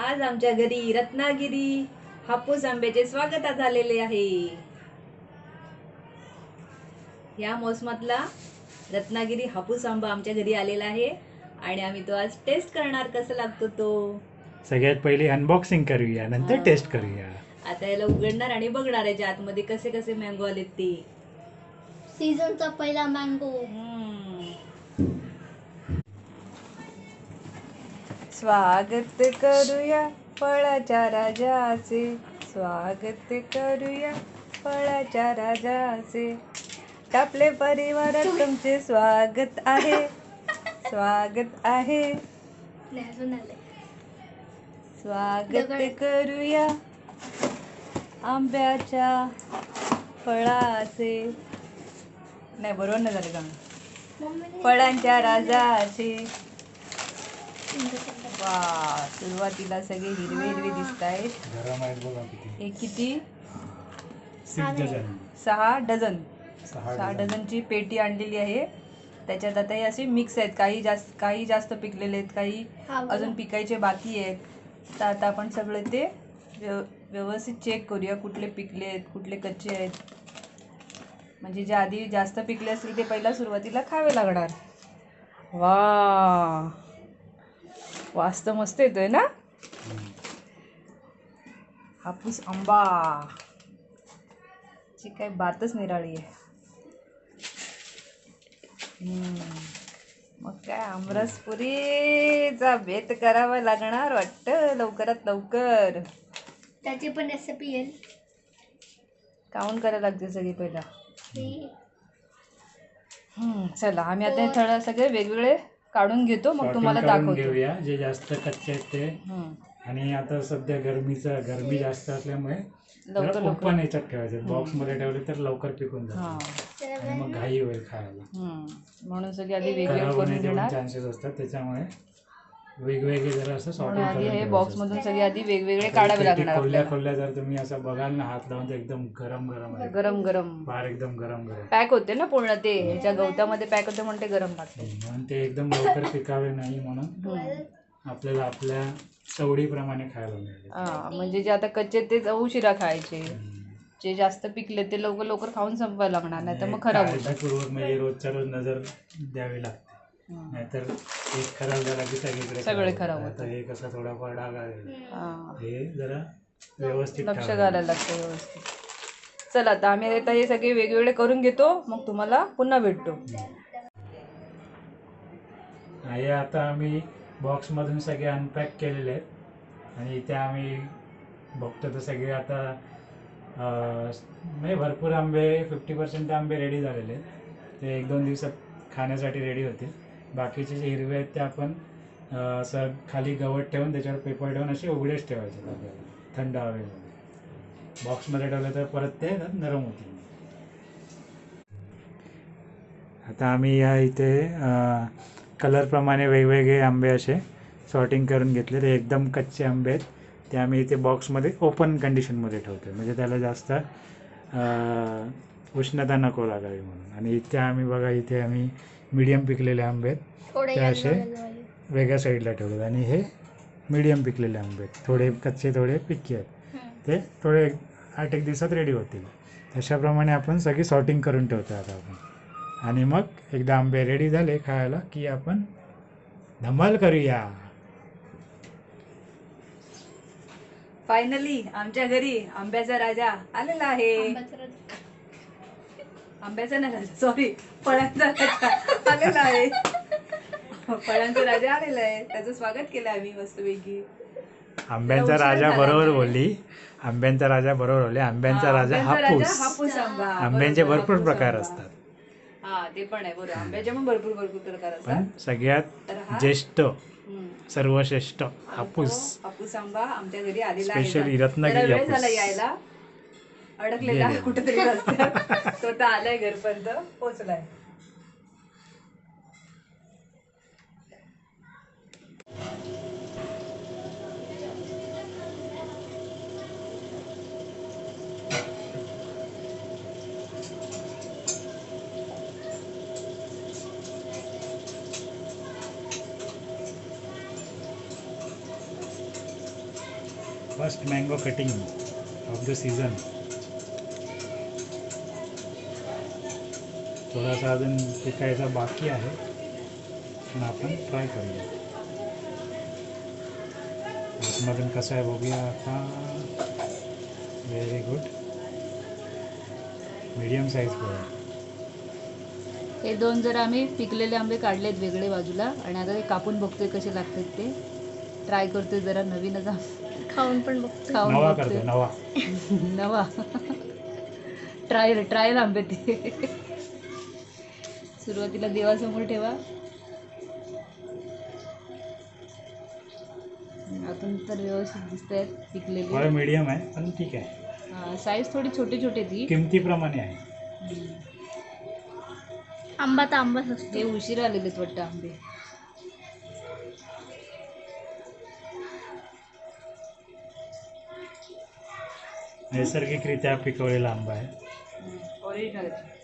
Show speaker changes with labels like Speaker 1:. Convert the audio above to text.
Speaker 1: आज आमच्या घरी रत्नागिरी हापूस आंब्याचे स्वागत झालेले आहे। या मोसमातला रत्नागिरी हापूस आंबा आमच्या घरी आलेला आहे आणि आम्ही तो आज टेस्ट करणार, कसा लागतो तो।
Speaker 2: सगळ्यात पहिले अनबॉक्सिंग करूया, नंतर टेस्ट करूया।
Speaker 1: आता याला उघडणार आणि बघणार याच्या आतमध्ये कसे कसे मँगो आलेत ते।
Speaker 3: सीझनचा पहिला मँगो।
Speaker 1: स्वागत करूया फळाच्या राजाचे, स्वागत करूया फळाच्या राजाचे। आपले परिवारात तुमचे स्वागत आहे, स्वागत आहे। स्वागत करूया आंब्याच्या फळाचे, नाही बरोबर नाही झालं का, फळांच्या राजाचे। वा, सुरुवातीला सगळे हिरवे हिरवे दिसत आहेत।
Speaker 2: गरम आहेत बघा किती।
Speaker 1: हे किती?
Speaker 2: 6 डझन।
Speaker 1: 6 डझन।
Speaker 2: 6
Speaker 1: 6 डझनची पेटी आणलेली आहे। त्याच्यात आता हे असे मिक्स आहेत, काही जास्त पिकलेले आहेत, काही अजून पिकायचे बाकी आहेत। तर आता आपण सगळे ते व्यवस्थित चेक करूया, कुठले पिकले आहेत कुठले कच्चे आहेत। म्हणजे जे आधी जास्त पिकले असतील ते पहिला सुरुवातीला खावे लागणार। वा, वास तर मस्त येतोय ना। हापूस आंबा ची काही बातच निराळी आहे। मग काय आमरसपुरीचा बेत करावा लागणार वाटतं लवकरात लवकर।
Speaker 3: त्याची पण रेसिपी येईल।
Speaker 1: काउंट करायला लागते सगळी पहिला। चला आम्ही आता थोडं सगळे वेगवेगळे काढून घेतो, मग तुम्हाला दाखवतो।
Speaker 2: घेऊया जे जास्त कच्चे आहेत ते। आणि आता सध्या गरमी जास्त असल्यामुळे
Speaker 1: लवकर
Speaker 2: ओपन याच्यात ठेवायचे, बॉक्स मध्ये ठेवले तर लवकर पिकून जातात आणि मग घाई होईल खायला।
Speaker 1: म्हणून सगळे आधी वेगवेगळे करून घेणार,
Speaker 2: चान्सेस असतात, त्याच्यामुळे वेगवेगळे जरा असं सॉर्टिंग
Speaker 1: आधी हे
Speaker 2: करून
Speaker 1: बॉक्स मधून सगळे आधी वेगवेगळे काढावे लागणार आपल्याला।
Speaker 2: खोलल्या जर तुम्ही असं बघाल ना, हात लावून तर एकदम गरम गरम आहे,
Speaker 1: गरम गरम
Speaker 2: बाहेर एकदम गरम गरम
Speaker 1: पॅक होते ना पूर्ण, ते ह्याच्या गवतामध्ये पॅक होते म्हणून ते गरम लागते।
Speaker 2: म्हणून ते एकदम लवकर पिकावे नाही, म्हणून आपल्याला आपल्या सवडीप्रमाणे खायला मिळेल।
Speaker 1: म्हणजे जे आता कच्चे ते उशिरा खायचे, जे जास्त पिकले ते लवकर लवकर खाऊन संपवायला लागणार, नाही तर मग खराब होतं।
Speaker 2: काळजीपूर्वक म्हणजे रोजच्या रोज नजर द्यावी लागते, नाहीतर एक खराब झाला की सगळे खराब होतं। हे कसं थोडाफार डाग आहे, हे जरा व्यवस्थित
Speaker 1: लक्ष घालायला लागतं व्यवस्थित। चला आता आम्ही आता हे सगळे वेगवेगळे करून घेतो, मग तुम्हाला पुन्हा भेटतो।
Speaker 2: हे आता आम्ही बॉक्समधून सगळे अनपॅक केलेले आहेत आणि इथे आम्ही बघतो तर सगळे आता म्हणजे भरपूर आंबे 50% आंबे रेडी झालेले आहेत। ते 1-2 दिवसात खाण्यासाठी रेडी होतील। बाकीचे जे हिरवे आहेत ते आपण असं खाली गवत ठेवून त्याच्यावर पेपर ठेवून असे उघडेच ठेवायचे आपल्याला, थंड हवेमध्ये। बॉक्समध्ये ठेवलं तर परत ते नरम होतील। आता आम्ही या इथे कलरप्रमाणे वेगवेगळे आंबे असे सॉर्टिंग करून घेतले। ते एकदम कच्चे आंबे आहेत, ते आम्ही इथे बॉक्समध्ये ओपन कंडिशनमध्ये ठेवतो, म्हणजे त्याला जास्त उष्णता नको लागावी म्हणून। आणि इथे आम्ही बघा, इथे आम्ही मीडियम पिकलेले आंबे आहेत ते असे वेगळ्या साईडला ठेवलेत, आणि हे मीडियम पिकलेले आंबे आहेत, थोडे कच्चे थोडे पिक्की आहेत, ते थोडे 8-1 दिवसात रेडी होतील। तशाप्रमाणे आपण सगळी सॉर्टिंग करून ठेवतो आता आपण। आणि मग एकदा आंबे रेडी झाले खायला की आपण धमाल करूया।
Speaker 1: फायनली आमच्या घरी आंब्याचा राजा आलेला आहे। आंब्याचा नाही राजा, सॉरी, फळांचा राजा आलेला आहे। फळांचा राजा आलेला आहे, त्याचं स्वागत केलं आम्ही मस्तपैकी।
Speaker 2: आंब्यांचा राजा बरोबर बोलली, आंब्यांचा राजा बरोबर बोलले। आंब्यांचा राजा हापूस
Speaker 1: आंबा।
Speaker 2: आंब्यांचे भरपूर प्रकार असतात।
Speaker 1: हा, ते पण आहे बरोबर, आंब्याचे पण भरपूर प्रकार असतात,
Speaker 2: पण सगळ्यात ज्येष्ठ सर्वश्रेष्ठ हापूस
Speaker 1: आंबा आमच्या घरी आलेला आहे।
Speaker 2: स्पेशली रत्नागिरी
Speaker 1: वेळ झाला यायला, अडकलेला कुठेतरी रस्त्यात, तो तर आलाय, घरपर्यंत पोहोचलाय।
Speaker 2: First mango cutting of the season. थोडासा अजून पिकायचा बाकी आहे, पण आपण ट्राय करूया. आतमधून कसं आहे बघूया आता. Very good. मीडियम साईज फळ.
Speaker 1: हे 2 जर आम्ही पिकलेले आंबे काढलेत वेगळे बाजूला आणि आता ते कापून बघतोय कसे लागतात ते. ट्राय करतोय जरा नवीनच
Speaker 3: खाऊन पण बघतो.
Speaker 1: खाऊन
Speaker 2: नवा
Speaker 1: बघतोय.
Speaker 2: करतो नवा.
Speaker 1: नवा ट्रायल आंबे ते. सुरुवातीला देवासमोर ठेवा. आतून तर व्यवस्थित दिसत आहेत
Speaker 2: फळ
Speaker 1: पिकलेले.
Speaker 2: मीडियम आहे पण ठीक आहे.
Speaker 1: साईज थोडी छोटी छोटी ती.
Speaker 2: किमतीप्रमाणे आहे.
Speaker 3: आंबा तर आंबाच असतो.
Speaker 1: हे उशिरा आलेलेत वाटतं आंबे.
Speaker 2: नैसर्गिकरित्या पिकवलेला आंबा आहे.
Speaker 1: ओरिजिनल.